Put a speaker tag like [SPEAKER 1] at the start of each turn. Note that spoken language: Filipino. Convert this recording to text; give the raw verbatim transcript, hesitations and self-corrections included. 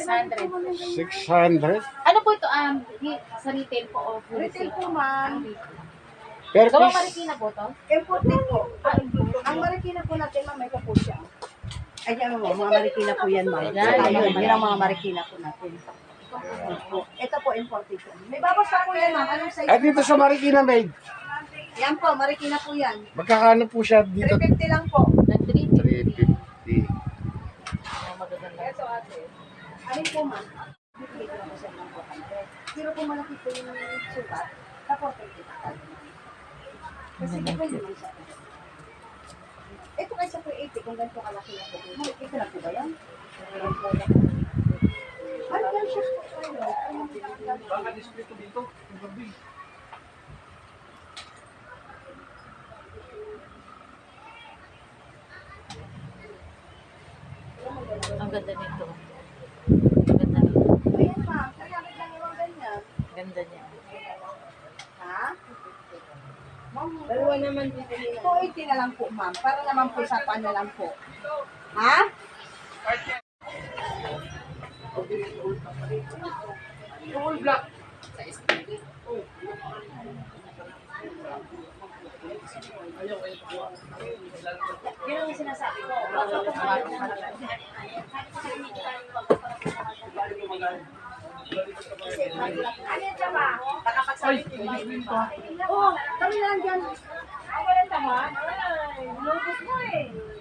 [SPEAKER 1] hundred.
[SPEAKER 2] six hundred?
[SPEAKER 1] Ano po ito? Um, di- sa retail po o
[SPEAKER 3] Retail
[SPEAKER 1] wholesale?
[SPEAKER 3] po, ma'am.
[SPEAKER 2] Per
[SPEAKER 1] Gawa
[SPEAKER 2] piece?
[SPEAKER 1] Marikina po to?
[SPEAKER 3] Imported po. Ang Marikina po natin, ma'am, may po siya. Ay, yan mo, mga Marikina po yan, ma'am.
[SPEAKER 1] Yan,
[SPEAKER 3] Ayun,
[SPEAKER 1] yan.
[SPEAKER 3] yan ang mga Marikina po natin. Opo. Ito po, imported po. May babas pa po yan, ma'am. Anong size?
[SPEAKER 2] At dito sa Marikina Maid,
[SPEAKER 3] Yan po, Marikina po yan.
[SPEAKER 2] magkakano po siya dito?
[SPEAKER 3] three fifty lang po.
[SPEAKER 1] Ng three
[SPEAKER 2] three fifty.
[SPEAKER 1] Oh, magaganda.
[SPEAKER 3] Ito, ate. Alin po, ma'am? Bibigay ko lang po sa inyo po. Pero kung malaki po yung sukat, supported po. Kasi depende naman siya. Ito kaysa po eighty, kung ganito kalaki na po. Ito na po ba yan? Ano yan siya po?
[SPEAKER 4] Baka display ko dito.
[SPEAKER 1] Ang ganda nito. Ang ganda nito.
[SPEAKER 3] Ayan, ma'am. Nagamit lang yung ganyan.
[SPEAKER 1] Ganda niya.
[SPEAKER 3] Ha? Ma'am, dalawa naman dito. two eighty na lang po, ma'am. Para naman po sa pan na lang po. Ha?
[SPEAKER 4] Full black.
[SPEAKER 3] Yun ang sinasabi ko. Ano yan ba? Nakapagsabi ko ba? Oo, kami lang dyan. Ang walang tama? Ay, lupos mo eh.